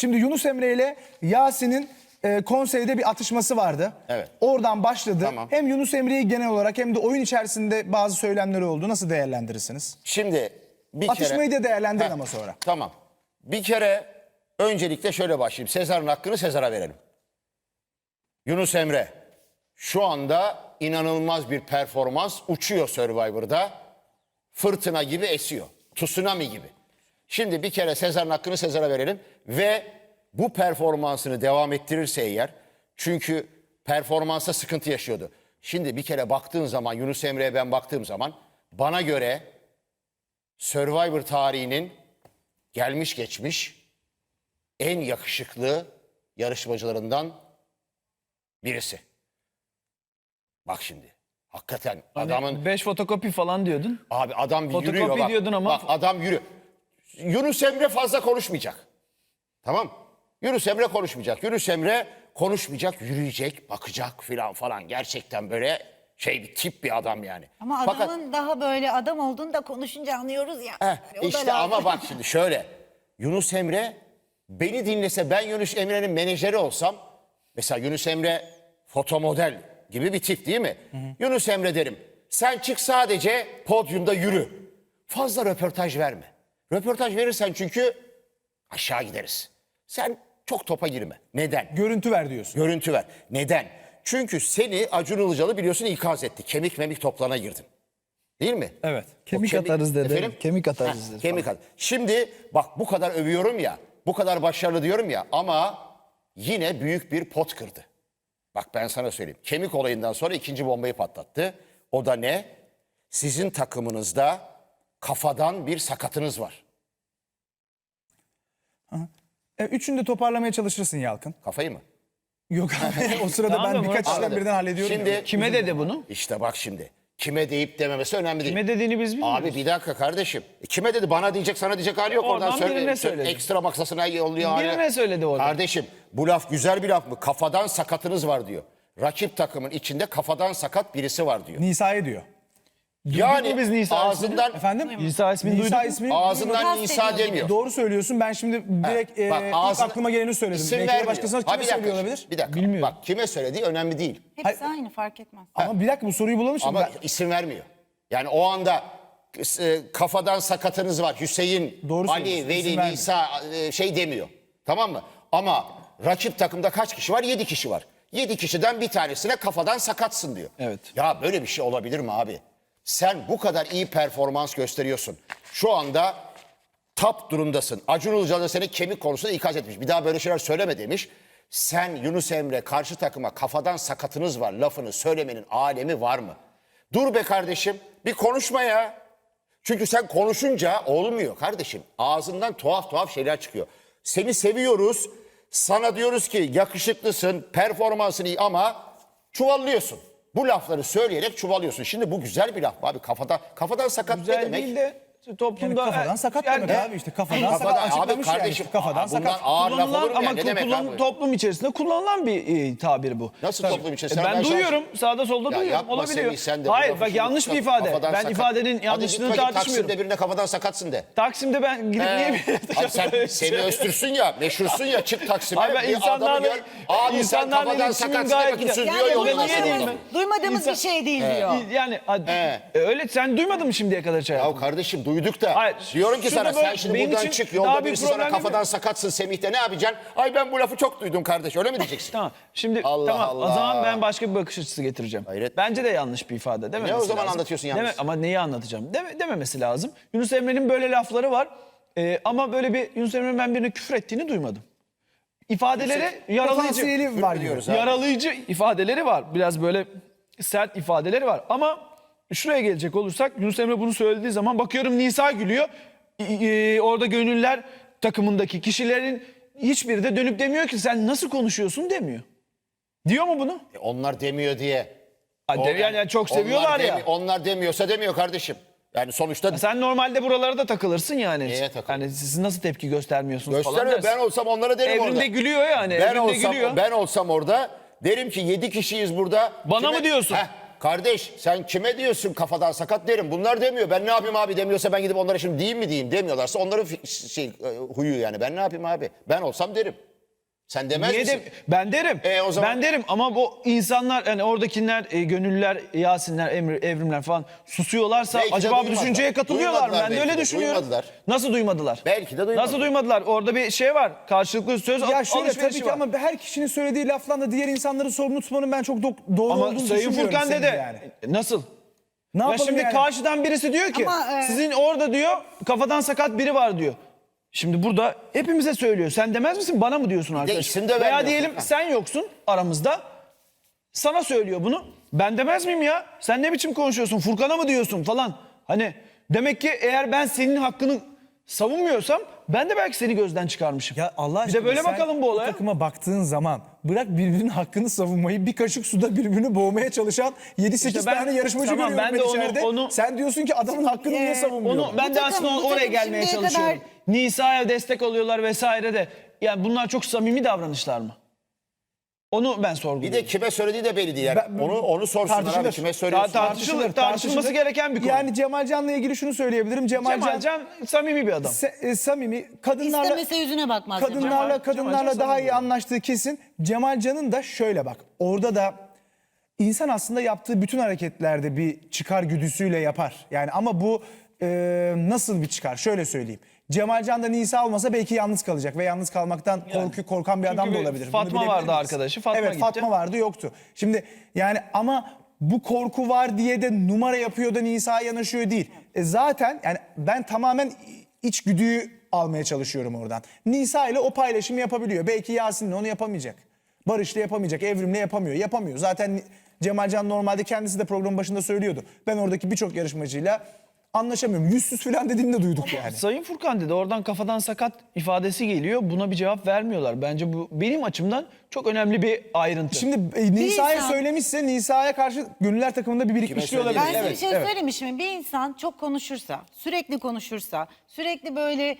Şimdi Yunus Emre ile Yasin'in konseyde bir atışması vardı. Evet. Oradan başladı. Tamam. Hem Yunus Emre'yi genel olarak hem de oyun içerisinde bazı söylemleri oldu. Nasıl değerlendirirsiniz? Şimdi bir Atışmayı kere... da değerlendirin Heh, ama sonra. Tamam. Bir kere öncelikle şöyle başlayayım. Sezar'ın hakkını Sezar'a verelim. Yunus Emre şu anda inanılmaz bir performans, uçuyor Survivor'da. Fırtına gibi esiyor. Tsunami gibi. Şimdi bir kere Sezar'ın hakkını Sezar'a verelim ve bu performansını devam ettirirse eğer, çünkü performansa sıkıntı yaşıyordu. Şimdi bir kere baktığın zaman, Yunus Emre'ye ben baktığım zaman, bana göre Survivor tarihinin gelmiş geçmiş en yakışıklı yarışmacılarından birisi. Bak şimdi. Hakikaten adamın... 5 fotokopi falan diyordun. Abi adam bir Fotokopi yürüyor bak. diyordun ama- Bak adam yürü. Yunus Emre fazla konuşmayacak. Tamam. Yunus Emre konuşmayacak. Yunus Emre konuşmayacak, yürüyecek, bakacak filan falan. Gerçekten böyle bir tip bir adam yani. Ama adamın daha böyle adam olduğunu da konuşunca anlıyoruz ya. O da İşte lazım. ama bak şimdi şöyle. Yunus Emre beni dinlese, ben Yunus Emre'nin menajeri olsam, mesela Yunus Emre fotomodel gibi bir tip değil mi? Yunus Emre derim, sen çık sadece podyumda yürü. Fazla röportaj verme. Röportaj verirsen çünkü aşağı gideriz. Sen çok topa girme. Neden? Görüntü ver diyorsun. Görüntü ver. Neden? Çünkü seni Acun Ilıcalı biliyorsun ikaz etti. Kemik memik toplana girdin. Değil mi? Evet. O Kemik atarız dedi. Efendim? Kemik atarız dedi. Kemik at. Şimdi bak bu kadar övüyorum ya, bu kadar başarılı diyorum ya ama yine büyük bir pot kırdı. Bak ben sana söyleyeyim. Kemik olayından sonra ikinci bombayı patlattı. O da ne? Sizin takımınızda kafadan bir sakatınız var. Üçünü de toparlamaya çalışırsın Yalkın. Kafayı mı? Yok abi o sırada Tamam da ben birkaç Murat- işlem Anladım. birden hallediyorum. Şimdi ya. Kime dedi bunu? işte bak şimdi. Kime deyip dememesi önemli değil. Kime dediğini biz bilmiyoruz. Abi bir dakika kardeşim. Kime dedi? Bana diyecek, sana diyecek hali yok. Oradan Oradan birine söyledi. Ekstra maksasına yolluyor. Birine söyledi orada. Kardeşim bu laf güzel bir laf mı? Kafadan sakatınız var diyor. Rakip takımın içinde kafadan sakat birisi var diyor. Nisa'ya diyor. Yani biz Nisa ağzından Efendim? İsa ismini duyduk mu? ismini ağzından Kastediyor Nisa gibi. demiyor. Doğru söylüyorsun. Ben şimdi direkt Bak, ilk ağzına- aklıma geleni söyledim. İsim Belki de vermiyor. başkasına Ha, kime bir dakika, söylüyor olabilir? Bir dakika. Bilmiyorum. Bak kime söylediği önemli değil. Hepsi aynı fark etmez. Ama bir dakika bu soruyu bulalım şimdi. Ama Ben- isim vermiyor. Yani o anda kafadan sakatınız var. Hüseyin, Doğru Ali, söylüyorsun, Veli, isim vermiyor. Nisa demiyor. Tamam mı? Ama rakip takımda kaç kişi var? 7 kişi var. 7 kişiden bir tanesine kafadan sakatsın diyor. Evet. Ya böyle bir şey olabilir mi abi? Sen bu kadar iyi performans gösteriyorsun. Şu anda top durumdasın. Acun Ilıcalı seni kemik konusunda ikaz etmiş. Bir daha böyle şeyler söyleme demiş. Sen Yunus Emre karşı takıma kafadan sakatınız var lafını söylemenin alemi var mı? Dur be kardeşim bir konuşma ya. Çünkü sen konuşunca olmuyor kardeşim. Ağzından tuhaf tuhaf şeyler çıkıyor. Seni seviyoruz. Sana diyoruz ki yakışıklısın, performansın iyi ama çuvallıyorsun. Bu lafları söyleyerek çuvallıyorsun. Şimdi bu güzel bir laf abi. Kafadan sakat ne Güzel demek? değil de Yani toplumda... kafadan sakat demek abi işte kafadan Kafadan- sakat abi açıklamış yani. kardeşim, İşte kafadan bundan sakat. ağır laf olur Kullanılan mu ya? ama Ne demek abi? toplum içerisinde kullanılan bir tabir bu. Nasıl toplum içerisinde? Ben Ben duyuyorum. Sağda solda Ya duyuyorum. yapma Olabiliyor. Semih, sen de bu Hayır lafı bak şimdi yanlış bir kafadan ifade. Ben sakat. ifadenin Hadi yanlışlığını git bakayım tartışmıyorum. Taksim'de birine kafadan sakatsın de. Taksim'de ben gidip niye bir... Abi sen Semih Öztürk'sün ya, meşhursun ya, çık Taksim'e. Abi ben bir adamı insanlarla- gör. Abi sen insanlarla kafadan iletişimim sakatsın de gayet bakayım güzel. sürüyor Yani yoluna. niye diyeyim ben? duymadığımız İnsan- bir şey değil diyor. Yani öyle sen duymadın mı şimdiye kadar şey? Ya kardeşim duyduk da. Hayır, Diyorum ki şurada sana sen böyle şimdi benim buradan için çık daha yolda bir birisi sana problem kafadan yok. sakatsın Semih'te ne yapacaksın? Ay ben bu lafı çok duydum kardeş öyle mi diyeceksin? Tamam. Şimdi Allah tamam Allah. o zaman ben başka bir bakış açısı getireceğim. Hayret. Bence de yanlış bir ifade değil mi? Ne o zaman anlatıyorsun yanlış? Ama neyi anlatacağım? Dememesi lazım. Yunus Emre'nin böyle lafları var. Ama böyle bir Yunus Emre'nin ben birine küfür ettiğini duymadım. İfadeleri yaralayıcı. Potansiyeli var diyoruz diyoruz. abi. Yaralayıcı ifadeleri var. Biraz böyle sert ifadeleri var. Ama şuraya gelecek olursak Yunus Emre bunu söylediği zaman bakıyorum Nisa gülüyor. Orada gönüller takımındaki kişilerin hiçbiri de dönüp demiyor ki sen nasıl konuşuyorsun demiyor. Diyor mu bunu? Onlar demiyor diye. Yani çok seviyorlar ya. Onlar demiyorsa demiyor kardeşim. Yani sonuçta Sen normalde buralara da takılırsın yani. Neye takılırım? Yani siz nasıl tepki göstermiyorsunuz falan göstermiyor. dersin. Ben olsam onlara derim orada. Evrinde gülüyor yani. Ben Evrinde olsam, gülüyor. ben olsam orada derim ki 7 kişiyiz burada. Bana mı diyorsun? Kardeş sen kime diyorsun kafadan sakat derim. Bunlar demiyor. Ben ne yapayım abi demiyorsa ben gidip onlara şimdi diyeyim mi diyeyim demiyorlarsa onların huyu yani. Ben ne yapayım abi? Ben olsam derim. Sen demez Niye misin? ben derim. O zaman- Ben derim ama bu insanlar yani oradakiler gönüllüler, Yasinler, Evrimler falan susuyorlarsa Belki de acaba bu duymadılar. düşünceye katılıyorlar mı? Duymadılar Ben de öyle belki de, düşünüyorum. duymadılar. Nasıl duymadılar? Belki de duymadılar. Nasıl duymadılar? Orada bir şey var. Karşılıklı söz Ya şöyle tabii alışverişi ki var. ama her kişinin söylediği lafla da diğer insanları sorumlu tutmanın ben çok doğru Ama olduğunu Sayın düşünmüyorum. Furkan senin dede yani. nasıl? Ne Ya yapalım şimdi yani? karşıdan birisi diyor ki Ama, sizin orada diyor kafadan sakat biri var diyor. Şimdi burada hepimize söylüyor. Sen demez misin bana mı diyorsun arkadaş? isim de Veya vermiyor diyelim Furkan. sen yoksun aramızda. Sana söylüyor bunu. Ben demez miyim ya? Sen ne biçim konuşuyorsun? Furkan'a mı diyorsun falan. Hani demek ki eğer ben senin hakkını savunmuyorsam ben de belki seni gözden çıkarmışım. Ya Allah bir aşkına de böyle sen bakalım bu olaya. takıma baktığın zaman bırak birbirinin hakkını savunmayı bir kaşık suda birbirini boğmaya çalışan 7-8 İşte ben- tane yarışmacı tamam, görüyorum ben de içeride. onu- Sen diyorsun ki adamın hakkını niye savunmuyor? Onu ben Bu de takım- aslında bu oraya takım gelmeye şimdiye çalışıyorum. kadar- Nisa'ya destek oluyorlar vesaire de. Yani bunlar çok samimi davranışlar mı? Onu ben Bir sorguluyorum. de kime söylediği de belli değil. Yani. onu sorsunlar abi tartışılır. kime söylüyorsun? Tartışılması gereken bir konu. Yani Cemalcan'la ilgili şunu söyleyebilirim. Cemalcan samimi bir adam. Samimi, kadınlarla İstemese yüzüne bakmaz. kadınlarla Cemalcan daha iyi samimi. anlaştığı kesin. Cemalcan'ın da şöyle bak. Orada da insan aslında yaptığı bütün hareketlerde bir çıkar güdüsüyle yapar. Yani ama bu nasıl bir çıkar? Şöyle söyleyeyim. Cemalcan da Nisa olmasa belki yalnız kalacak ve yalnız kalmaktan korkan bir Çünkü adam da bir olabilir. Bunu Fatma bilebilir vardı miyiz? arkadaşı, Fatma evet, gitti. Fatma vardı, yoktu. Şimdi yani ama bu korku var diye de numara yapıyor da Nisa'ya yanaşıyor değil. Zaten yani ben tamamen içgüdüyü almaya çalışıyorum oradan. Nisa ile o paylaşımı yapabiliyor. Belki Yasin'le onu yapamayacak. Barış'la yapamayacak, Evrim'le yapamıyor. Yapamıyor. Zaten Cemalcan normalde kendisi de programın başında söylüyordu. Ben oradaki birçok yarışmacıyla anlaşamıyorum. Yüzsüz falan dediğini de duyduk yani. Sayın Furkan dedi oradan kafadan sakat ifadesi geliyor. Buna bir cevap vermiyorlar. Bence bu benim açımdan çok önemli bir ayrıntı. Şimdi Nisa'ya insan- söylemişse Nisa'ya karşı gönüller takımında bir birikmişliği söyledi? olabilir. Ben size Evet, bir şey evet. söyleyeyim mi şimdi? Bir insan çok konuşursa, sürekli konuşursa, sürekli böyle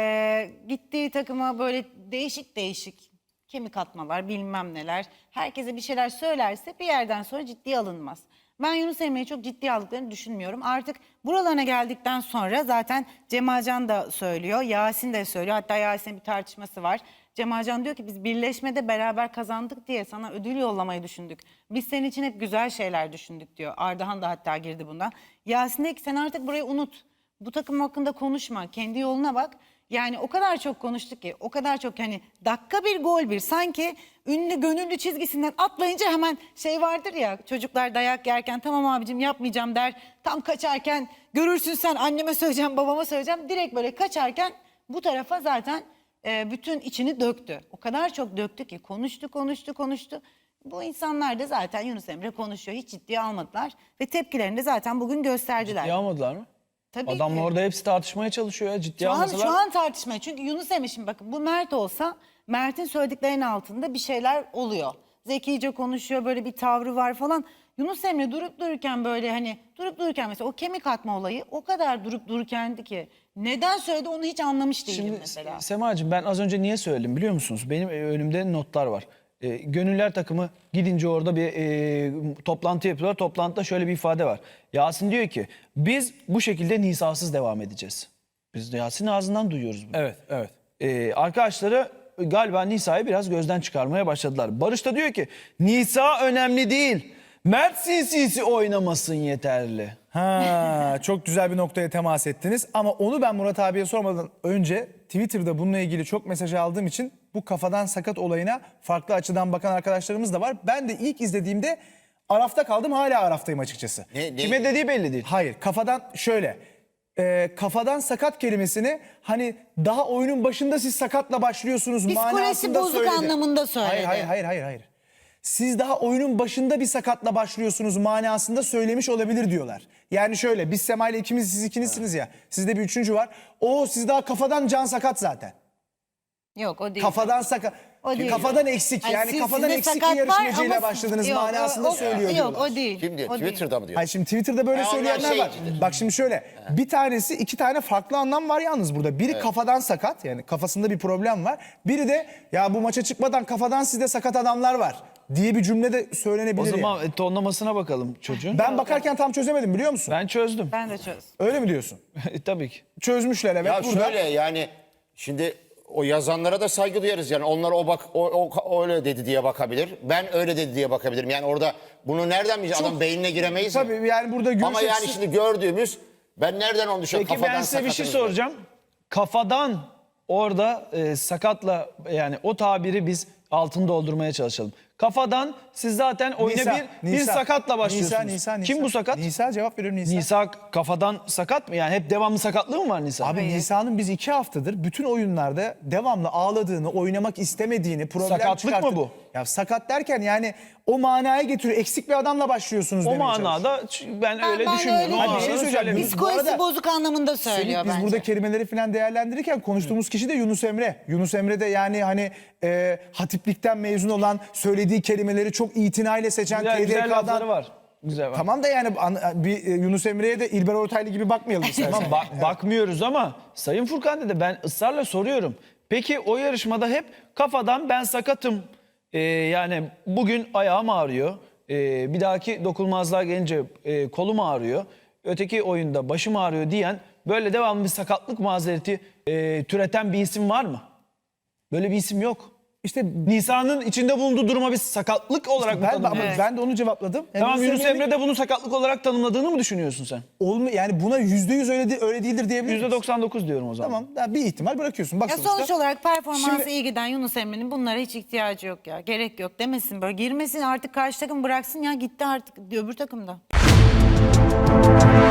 gittiği takıma böyle değişik değişik kemik atmalar, bilmem neler, herkese bir şeyler söylerse bir yerden sonra ciddiye alınmaz. Ben Yunus Emre'yi çok ciddiye aldıklarını düşünmüyorum. Artık buralarına geldikten sonra zaten Cemalcan da söylüyor, Yasin de söylüyor. Hatta Yasin'in bir tartışması var. Cemalcan diyor ki biz birleşmede beraber kazandık diye sana ödül yollamayı düşündük. Biz senin için hep güzel şeyler düşündük diyor. Ardahan da hatta girdi bundan. Yasin diyor ki sen artık burayı unut. Bu takım hakkında konuşma. Kendi yoluna bak. Yani o kadar çok konuştuk ki, o kadar çok hani dakika bir gol bir, sanki ünlü gönüllü çizgisinden atlayınca hemen şey vardır ya, çocuklar dayak yerken tamam abicim yapmayacağım der, tam kaçarken görürsün sen anneme söyleyeceğim babama söyleyeceğim, direkt böyle kaçarken bu tarafa zaten bütün içini döktü. O kadar çok döktü ki konuştu. Bu insanlar da zaten Yunus Emre konuşuyor, hiç ciddiye almadılar ve tepkilerini de zaten bugün gösterdiler. Ciddiye almadılar mı? Tabii Adamla ki. orada hepsi tartışmaya çalışıyor ya. Ciddiye almasalar. Şu an tartışma. Çünkü Yunus Emre, şimdi bakın bu Mert olsa Mert'in söylediklerinin altında bir şeyler oluyor. Zekice konuşuyor, böyle bir tavrı var falan. Yunus Emre durup dururken böyle hani durup dururken mesela o kemik atma olayı o kadar durup dururkendi ki neden söyledi onu hiç anlamış değilim Şimdi mesela. Semacığım ben az önce niye söyledim biliyor musunuz? Benim önümde notlar var. Gönüller takımı gidince orada bir toplantı yapıyorlar. Toplantıda şöyle bir ifade var. Yasin diyor ki biz bu şekilde Nisa'sız devam edeceğiz. Biz de Yasin'in ağzından duyuyoruz bunu. Evet, evet. Arkadaşları galiba Nisa'yı biraz gözden çıkarmaya başladılar. Barış da diyor ki Nisa önemli değil. Mert sinsi oynamasın yeterli. Ha, çok güzel bir noktaya temas ettiniz. Ama onu ben Murat abiye sormadan önce Twitter'da bununla ilgili çok mesaj aldığım için bu kafadan sakat olayına farklı açıdan bakan arkadaşlarımız da var. Ben de ilk izlediğimde arafta kaldım, hala araftayım açıkçası. Kime dediği belli değil. Hayır, kafadan şöyle. Kafadan sakat kelimesini hani daha oyunun başında siz sakatla başlıyorsunuz Psikolojisi manasında bozuk söyledi. anlamında söyledi. Hayır. Siz daha oyunun başında bir sakatla başlıyorsunuz manasında söylemiş olabilir diyorlar. Yani şöyle, biz Sema ile ikimiz, siz ikinizsiniz ya. Sizde bir üçüncü var. O siz daha kafadan can sakat zaten. Yok o değil. Kafadan sakat. O değil. Kafadan eksik. Ay, Yani kafadan sizde eksik sakat bir var yarışmacıyla ama- başladınız Yok, manasında söylüyor Yok diyorlar. o değil. Kim diyor? O değil. Twitter'da mı diyor? Hayır, şimdi Twitter'da böyle onlar söyleyenler var. şeycidir. Bak şimdi şöyle, bir tanesi, iki tane farklı anlam var yalnız burada. Biri kafadan sakat, yani kafasında bir problem var. Biri de ya bu maça çıkmadan kafadan sizde sakat adamlar var diye bir cümle de O söylenebilir. zaman yani. tonlamasına bakalım çocuğun. Ben bakarken tam çözemedim biliyor musun? Ben çözdüm. Ben de çöz. Öyle mi diyorsun? Tabii ki. Çözmüşler evet Ya burada. şöyle yani şimdi o yazanlara da saygı duyarız yani onlar o öyle dedi diye bakabilir. Ben öyle dedi diye bakabilirim. Yani orada bunu nereden bileceğiz? Adam beynine giremeyiz ya. Tabii yani burada görüş Ama yani açısı- şimdi gördüğümüz ben nereden onu düşünüyorum? Peki ben size bir şey sakatınız mı? soracağım. Kafadan orada sakatla yani o tabiri biz altını doldurmaya çalışalım. Kafadan siz zaten oyuna Nisa, bir Nisa. sakatla başlıyorsunuz. Nisa. Kim bu sakat? Nisa cevap veriyorum Nisa. Nisa kafadan sakat mı? Yani hep devamlı sakatlığı mı var Nisa? Abi Nisa'nın biz 2 haftadır bütün oyunlarda devamlı ağladığını, oynamak istemediğini, problem Sakatlık çıkarttığını... mı bu? Ya sakat derken yani o manaya getiriyor. Eksik bir adamla başlıyorsunuz o demeye çalışıyor. manada ben öyle ben düşünmüyorum. öyle O Hadi bir manada şey söyleyeceğim. söylemiyorum. Biz bu Psikolojisi arada- bozuk anlamında söylüyor Semih, biz bence. burada kelimeleri falan değerlendirirken konuştuğumuz kişi de Yunus Emre. Yunus Emre de yani hani hatiplikten mezun olan, söylediği kelimeleri çok itinayla seçen Güzel lafları TDK'dan... var. Güzel var. Tamam da yani bir Yunus Emre'ye de İlber Ortaylı gibi bakmayalım istersen. Tamam bakmıyoruz ama Sayın Furkan dedi ben ısrarla soruyorum. Peki o yarışmada hep kafadan ben sakatım. Yani bugün ayağım ağrıyor. Bir dahaki dokunulmazlığa gelince kolum ağrıyor. Öteki oyunda başım ağrıyor diyen böyle devamlı bir sakatlık mazereti türeten bir isim var mı? Böyle bir isim yok. İşte Nisa'nın içinde bulunduğu duruma bir sakatlık olarak mı tanımlıyorsun? ben de onu cevapladım. Yani Tamam Yunus Emre'nin Emre de bunu sakatlık olarak tanımladığını mı düşünüyorsun sen? yani buna %100 öyle değildir diyebilir miyiz? %99 diyorum o zaman. Tamam ya bir ihtimal bırakıyorsun. Bak Ya sonuçta. sonuç olarak performansı Şimdi- iyi giden Yunus Emre'nin bunlara hiç ihtiyacı yok ya. Gerek yok demesin böyle. Girmesin artık karşı takım bıraksın ya gitti artık öbür takımda.